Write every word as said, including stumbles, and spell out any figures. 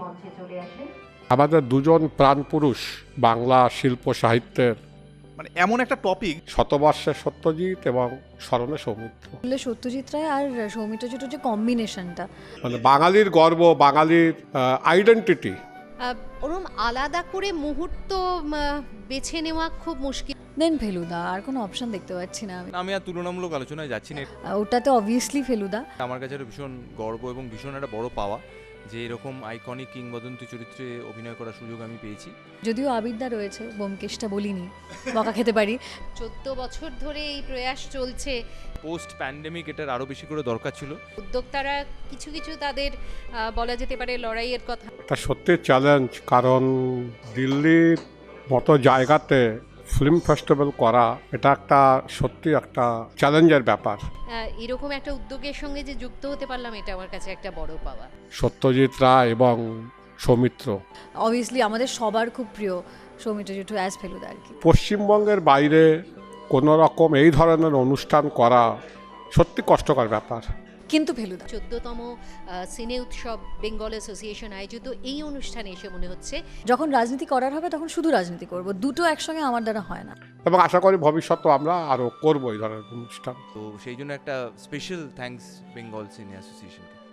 মঞ্চে চলে আসেন। আমাদের দুজন প্রাণপুরুষ বাংলা শিল্প সাহিত্যের, মানে এমন একটা টপিক, শতবর্ষে সত্যজিৎ এবং স্মরণে সৌমিত্র। বললে সত্যজিৎ রায় আর সৌমিত্র চ্যাটার্জির যে কম্বিনেশনটা, মানে বাঙালির গর্ব, বাঙালির আইডেন্টিটি। আহ, ওরম আলাদা করে মুহূর্ত উম, আহ, বেছে নেওয়া খুব মুশকিল। দেন ফেলুদা, আর কোনো অপশন দেখতে পাচ্ছি না আমি। আমি আর তুলনামূলক আলোচনায় যাচ্ছি না। আহ, ওটাতে অবভিয়াসলি ফেলুদা। আমার কাছে একটা ভীষণ গর্ব এবং ভীষণ একটা বড় পাওয়া যে এরকম আইকনিক কিংবদন্তি চরিত্রে অভিনয় করার সুযোগ আমি পেয়েছি। যদিও আবিদ্যা রয়েছে, বোমকেশটা বলিনি, বকা খেতে পারি। চোদ্দ বছর ধরে এই প্রয়াস চলছে। পোস্ট প্যান্ডেমিক এটার আরও বেশি করে দরকার ছিল। উদ্যোক্তারা কিছু কিছু তাদের আহ, বলা যেতে পারে লড়াইয়ের কথা। এটা সত্যি চ্যালেঞ্জ, কারণ দিল্লির মতো জায়গাতে ফিল্ম ফেস্টিভ্যাল করা এটা একটা সত্যি একটা চ্যালেঞ্জের ব্যাপার। আহ, এরকম একটা উদ্যোগের সঙ্গে যে যুক্ত হতে পারলাম, এটা আমার কাছে একটা বড় পাওয়া। সত্যজিৎ রায় এবং সৌমিত্র অবভিয়াসলি আমাদের সবার খুব প্রিয় সৌমিত্র জেঠু অ্যাজ ফেলুদা আর কি। পশ্চিমবঙ্গের বাইরে কোনো রকম এই ধরনের অনুষ্ঠান করা সত্যি কষ্টকর ব্যাপার। কিন্তু ফেলুদা চোদ্দতম সিনে উৎসব বেঙ্গল অ্যাসোসিয়েশন আয়োজিত এই অনুষ্ঠানে এসে মনে হচ্ছে যখন রাজনীতি করার হবে তখন শুধু রাজনীতি করব, দুটো একসঙ্গে আমার দ্বারা হয় না। এবং আশা করি ভবিষ্যতেও আমরা আরও করবো এই ধরনের অনুষ্ঠান। তো সেই জন্য একটা স্পেশাল থ্যাঙ্কস বেঙ্গল সিনে অ্যাসোসিয়েশনকে।